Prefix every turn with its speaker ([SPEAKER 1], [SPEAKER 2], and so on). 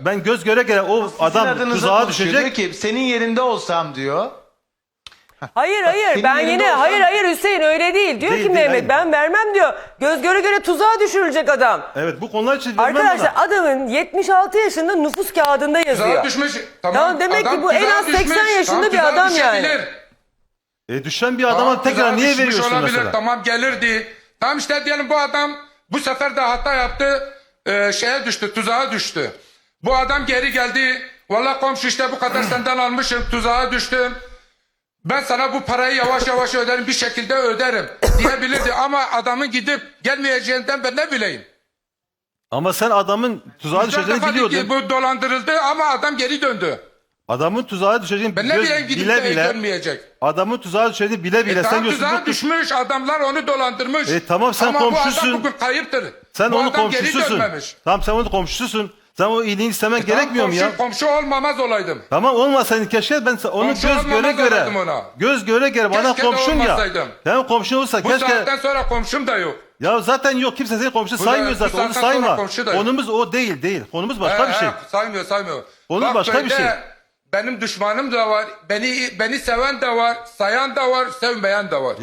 [SPEAKER 1] Ben göz göre göre o adam
[SPEAKER 2] Adınıza
[SPEAKER 1] tuzağa
[SPEAKER 2] konuşuyor. Diyor
[SPEAKER 1] düşecek.
[SPEAKER 2] ki senin yerinde olsam diyor.
[SPEAKER 3] Hayır
[SPEAKER 2] Senin
[SPEAKER 3] ben
[SPEAKER 2] yerinde
[SPEAKER 3] yine
[SPEAKER 2] olsam-
[SPEAKER 3] hayır Hüseyin öyle değil. Diyor
[SPEAKER 1] Değil,
[SPEAKER 3] ki
[SPEAKER 1] değil,
[SPEAKER 3] Mehmet
[SPEAKER 1] hayır.
[SPEAKER 3] ben vermem diyor. Göz göre göre tuzağa düşürülecek adam.
[SPEAKER 1] Evet, bu konular için vermem
[SPEAKER 3] Arkadaşlar
[SPEAKER 1] bana.
[SPEAKER 3] adamın 76 yaşında nüfus kağıdında yazıyor.
[SPEAKER 4] Tuzağa düşmüş.
[SPEAKER 3] Tamam, demek ki
[SPEAKER 4] adam
[SPEAKER 3] bu en
[SPEAKER 4] tuzağa
[SPEAKER 3] az 80
[SPEAKER 4] düşmüş.
[SPEAKER 3] yaşında
[SPEAKER 4] Tamam,
[SPEAKER 3] bir
[SPEAKER 4] tuzağa
[SPEAKER 3] adam yani.
[SPEAKER 4] düşebilir.
[SPEAKER 1] Düşen bir adama
[SPEAKER 4] Tamam,
[SPEAKER 1] tekrar
[SPEAKER 4] tuzağa
[SPEAKER 1] niye
[SPEAKER 4] düşmüş
[SPEAKER 1] veriyorsun
[SPEAKER 4] olabilir,
[SPEAKER 1] mesela?
[SPEAKER 4] Tamam gelirdi. Tamam işte diyelim bu adam bu sefer de hata yaptı. Şeye düştü, tuzağa düştü. Bu adam geri geldi. Vallahi komşu işte bu kadar senden almışım, tuzağa düştüm. Ben sana bu parayı yavaş yavaş öderim, bir şekilde öderim diyebilirdi. Ama adamın gidip gelmeyeceğinden ben ne bileyim.
[SPEAKER 1] Ama sen adamın tuzağa
[SPEAKER 4] Güzel
[SPEAKER 1] düşeceğini
[SPEAKER 4] defa
[SPEAKER 1] biliyordun.
[SPEAKER 4] ki bu dolandırıldı ama adam geri döndü.
[SPEAKER 1] Adamın tuzağa düşeceğini
[SPEAKER 4] Ben ne bileyim gidip
[SPEAKER 1] bile
[SPEAKER 4] de
[SPEAKER 1] bile.
[SPEAKER 4] dönmeyecek.
[SPEAKER 1] Adamın tuzağa düşeceğini bile bile. Sen
[SPEAKER 4] Tam
[SPEAKER 1] diyorsun
[SPEAKER 4] tuzağa
[SPEAKER 1] bu
[SPEAKER 4] düşmüş, adamlar onu dolandırmış.
[SPEAKER 1] Tamam, sen
[SPEAKER 4] ama
[SPEAKER 1] komşusun.
[SPEAKER 4] bu adam bugün kayıptır.
[SPEAKER 1] Sen
[SPEAKER 4] bu
[SPEAKER 1] onun
[SPEAKER 4] adam geri
[SPEAKER 1] komşususun.
[SPEAKER 4] dönmemiş.
[SPEAKER 1] Tamam, sen onun komşususun. Sen o iyiliğini istemen gerekmiyor mu ya?
[SPEAKER 4] Komşu olmamaz olaydım.
[SPEAKER 1] Tamam, olmasaydın keşke ben onu
[SPEAKER 4] Komşu
[SPEAKER 1] göz göre
[SPEAKER 4] olmamaz
[SPEAKER 1] göre.
[SPEAKER 4] olaydım ona.
[SPEAKER 1] Göz göre göre bana
[SPEAKER 4] Keşke de
[SPEAKER 1] komşun ya.
[SPEAKER 4] olmasaydım.
[SPEAKER 1] Sen komşun olsa
[SPEAKER 4] Bu
[SPEAKER 1] keşke.
[SPEAKER 4] saatten sonra komşum da yok.
[SPEAKER 1] Ya zaten yok, kimse seni komşu
[SPEAKER 4] Bu
[SPEAKER 1] saymıyor
[SPEAKER 4] da- bu
[SPEAKER 1] zaten, onu
[SPEAKER 4] saatten sonra
[SPEAKER 1] sayma.
[SPEAKER 4] komşu da yok.
[SPEAKER 1] Konumuz o değil. Konumuz başka bir şey.
[SPEAKER 4] Saymıyor.
[SPEAKER 1] Onun
[SPEAKER 4] Bak
[SPEAKER 1] başka bir
[SPEAKER 4] köyde
[SPEAKER 1] şey.
[SPEAKER 4] Benim düşmanım da var. Beni seven de var. Sayan da var. Sevmeyen de var.